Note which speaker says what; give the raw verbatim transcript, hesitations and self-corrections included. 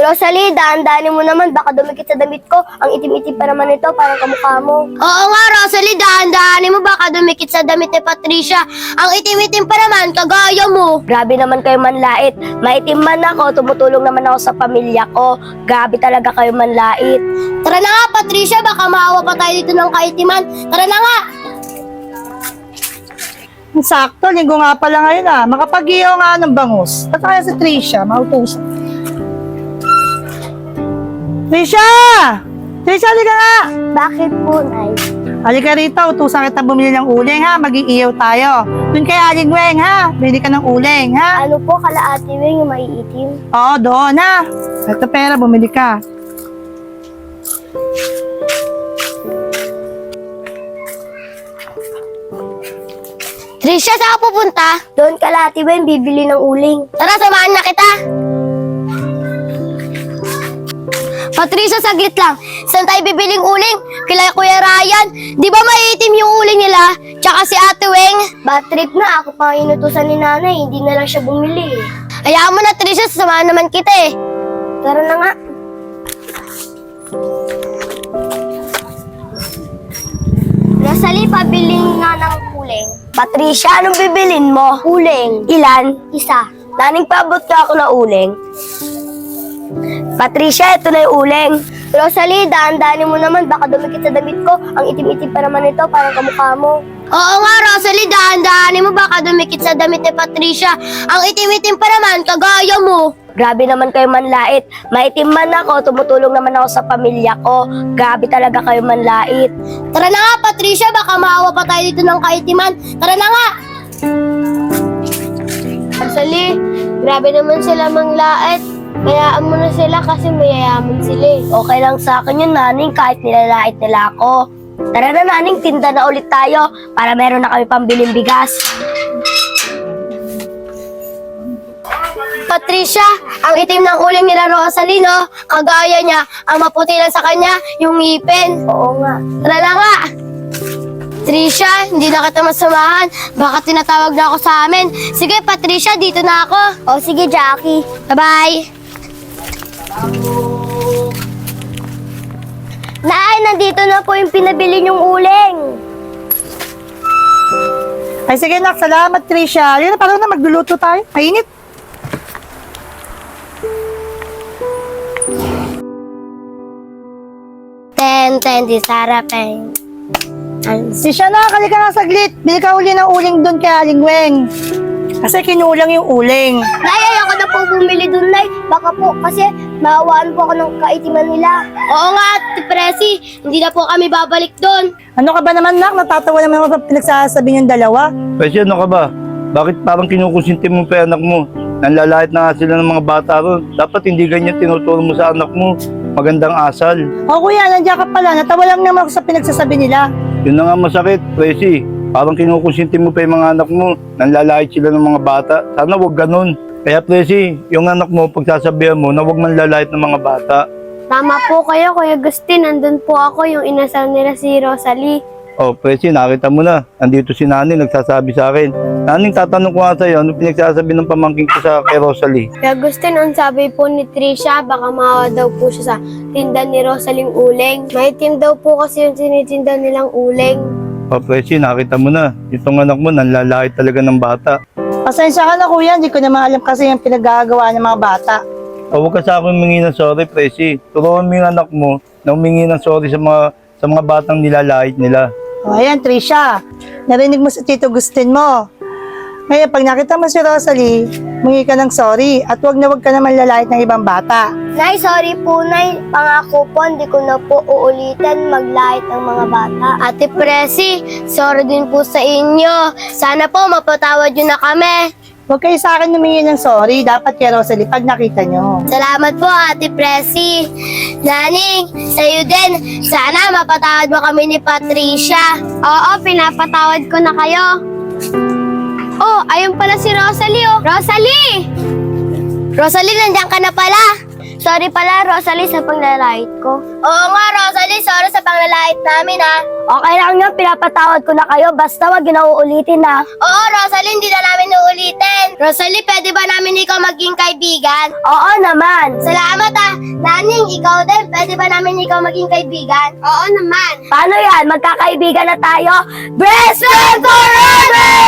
Speaker 1: Rosalie, daan-daanin mo naman. Baka dumikit sa damit ko. Ang itim-itim pa naman ito, parang kamukha mo.
Speaker 2: Oo nga, Rosalie, daan-daanin mo baka dumikit sa damit ni Patricia. Ang itim-itim pa naman, kagaya mo.
Speaker 1: Grabe naman kayo manlait. Maitim man ako, tumutulong naman ako sa pamilya ko. Grabe talaga kayo manlait.
Speaker 2: Tara na nga, Patricia, baka maawa pa tayo dito ng kaitiman. Tara na nga.
Speaker 3: Sakto, linggo nga pala ngayon ah. Makapag-iyo nga ng bangus. At kaya si Tricia, mautusan. Tricia! Tricia, halika nga!
Speaker 1: Bakit po, Nay?
Speaker 3: Halika rito, utusan kita bumili ng uling ha. Mag-iiyaw tayo. Doon kay Aling Weng ha. Bili ka ng uling ha.
Speaker 1: Ano po, kala Ate Weng yung maiitim?
Speaker 3: Oo, doon ha. Ito pera, bumili ka.
Speaker 2: Tricia, saan ka pupunta?
Speaker 1: Doon kala Ate Weng, bibili ng uling.
Speaker 2: Tara, samahan na kita. Patricia, saglit lang. Saan tayo bibiling uling? Kila Kuya Ryan. Di ba maiitim yung uling nila? Tsaka si Ate Weng.
Speaker 1: Bad trip na, ako pa inutusan ni Nanay, hindi na lang siya bumili.
Speaker 2: Hayaan mo na, Tricia, sasamahan naman kita eh.
Speaker 1: Tara na nga. Rosalie, pabiling nga ng uling. Patricia, anong bibilin mo? Uling. Ilan? Isa. Naning paabot ka ako na uling. Patricia, ito na yung uling. Rosalie, daan-daanin mo naman. Baka dumikit sa damit ko. Ang itim-itim pa naman ito, parang kamukha mo.
Speaker 2: Oo nga, Rosalie, dahan-dahanin mo baka dumikit sa damit ni Patricia. Ang itim-itim pa naman, kagaya mo.
Speaker 1: Grabe naman kayo manlait. Maitim man ako, tumutulong naman ako sa pamilya ko. Grabe talaga kayo manlait.
Speaker 2: Tara na nga, Patricia, baka maawa pa tayo dito ng kaitiman. Tara na nga. Rosalie, grabe naman sila manglait. Hayaan mo na sila kasi mayayaman sila eh.
Speaker 1: Okay lang sa akin yun, Naning, kahit nilalait nila ako. Tara na, Naning, tinda na ulit tayo para meron na kami pambiling bigas.
Speaker 2: Patricia, ang itim ng uling nila Rosalie, no? Kagaya niya, ang maputi lang sa kanya, yung ngipin.
Speaker 1: Oo nga.
Speaker 2: Tara na nga. Patricia, hindi na kita masamahan. Baka tinatawag na ako sa amin. Sige, Patricia, dito na ako.
Speaker 1: O sige, Jackie.
Speaker 2: Bye-bye.
Speaker 1: Nay, nandito na po yung pinabili niyong uling.
Speaker 3: Ay sige nak, salamat Tricia. Halika na, parang na magluluto tayo. Mainit.
Speaker 2: Ten, ten, di sarapeng.
Speaker 3: Tricia na, halika nga saglit. Bili ka uli ng uling doon kay Aling Weng. Kasi kinulang yung uling.
Speaker 1: Nay, ayoko na po bumili dun, Nay. Baka po, kasi maawaan po ako ng kaitiman nila.
Speaker 2: Oo nga, Ate Presi, hindi na po kami babalik doon.
Speaker 3: Ano ka ba naman nak? Natatawa naman ako sa pinagsasabi niyong dalawa.
Speaker 4: Kasi ano ka ba? Bakit parang kinukusinti mo pa yung anak mo? Nanlalait na nga sila ng mga bata ron. Dapat hindi ganyan tinuturo mo sa anak mo. Magandang asal.
Speaker 3: O kuya, nandiyan ka pala. Natawa lang naman ako sa pinagsasabi nila.
Speaker 4: Yun na nga masakit, Presi. Parang kinukusinti mo pa yung mga anak mo. Nanlalait sila ng mga bata. Sana wag ganun. Kaya Presi, yung anak mo, pagsasabihan mo na wag manlalait ng mga bata.
Speaker 2: Tama po kayo, Kuya Agustin. Nandun po ako, yung inasal nila si Rosalie.
Speaker 4: Oh, Presi, nakita mo na. Andito si Nani, nagsasabi sa akin. Naning, tatanong ko nga sa'yo, ano pinagsasabi ng pamangking ko sa kay Rosalie?
Speaker 2: Kuya Agustin, ang sabi po ni Tricia, baka maawa daw po siya sa tinda ni Rosalie uling. Maitim daw po kasi yung tinitinda nilang uling.
Speaker 4: Oh, Presi, nakita mo na. Itong anak mo, nanlalait talaga ng bata.
Speaker 3: Pasensya ka na kuya, hindi ko naman alam kasi yung pinagagawa ng mga bata.
Speaker 4: Oh, huwag ka sa akin humingi ng sorry, Presi. Turuan mo yung anak mo na humingi ng sorry sa mga, sa mga batang nilalait nila.
Speaker 3: O ayan, Tricia. Narinig mo sa Tito Agustin mo. Ngayon, pag nakita mo si Rosalie, mungi ka ng sorry at wag na wag ka naman lalait ng ibang bata.
Speaker 1: Nay, sorry po, Nay. Pangako po, hindi ko na po uulitin maglait ng mga bata.
Speaker 2: Ate Presi, sorry din po sa inyo. Sana po mapatawad nyo na kami.
Speaker 3: Huwag kayo sa akin humingi ng sorry. Dapat kay Rosalie pag nakita nyo.
Speaker 2: Salamat po, Ate Presi. Naning, sa'yo din. Sana mapatawad mo kami ni Patricia. Oo, pinapatawad ko na kayo. Oh, ayun pala si Rosalie, oh. Rosalie! Rosalie, nandiyan ka na pala.
Speaker 1: Sorry pala, Rosalie, sa panglalait ko.
Speaker 2: Oo nga, Rosalie, sorry sa panglalait namin ha.
Speaker 1: Okay lang yun, pinapatawad ko na kayo. Basta wag ginauulitin na.
Speaker 2: Oo, Rosalie, hindi na namin uulitin. Rosalie, pwede ba namin ikaw maging kaibigan?
Speaker 1: Oo naman.
Speaker 2: Salamat ah. Naning, ikaw din, pwede ba namin ikaw maging kaibigan? Oo naman.
Speaker 1: Paano yan? Magkakaibigan na tayo? Best friend forever!